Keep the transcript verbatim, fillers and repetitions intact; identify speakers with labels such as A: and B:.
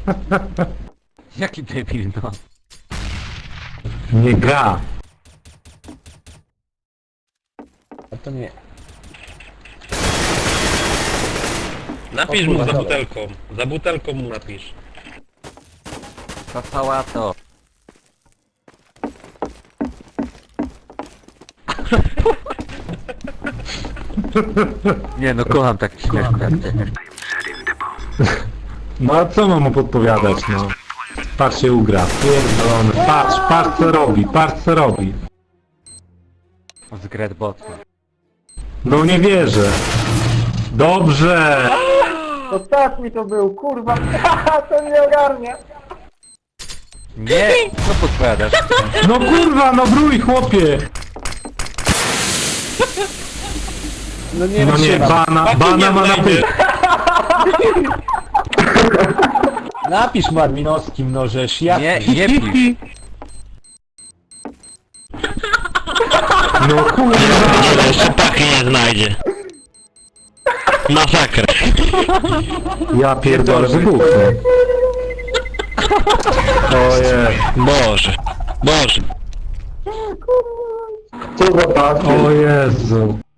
A: Jaki debil, no.
B: Nie gra.
C: A to nie.
D: Napisz
C: O
D: mu
C: kurwa,
D: za
C: dobra.
D: butelką. Za butelką mu napisz.
A: To sałato. Nie no, kocham takie śmieszne jak ty.
B: No a co mam mu podpowiadać, no? Patrz się ugra. Pierdolony. Patrz, patrz co robi, patrz co robi.
A: Z Gretbotma.
B: No nie wierzę. Dobrze.
C: Ostatni to był, kurwa. To nie ogarnia.
A: Nie! Co podpowiadasz?
B: No kurwa, no brój chłopie.
C: No nie
B: No nie,
C: wytrzymam.
B: bana, bana ma na pyt.
C: Napisz mu adminowskim, no żeż ja...
A: Nie, nie pisz.
B: No kurwa.
D: Jeszcze pachy nie znajdzie. Masakra.
B: Ja pierdolę, wybuchnę. Ojej.
D: Boże. Boże.
B: O Jezu.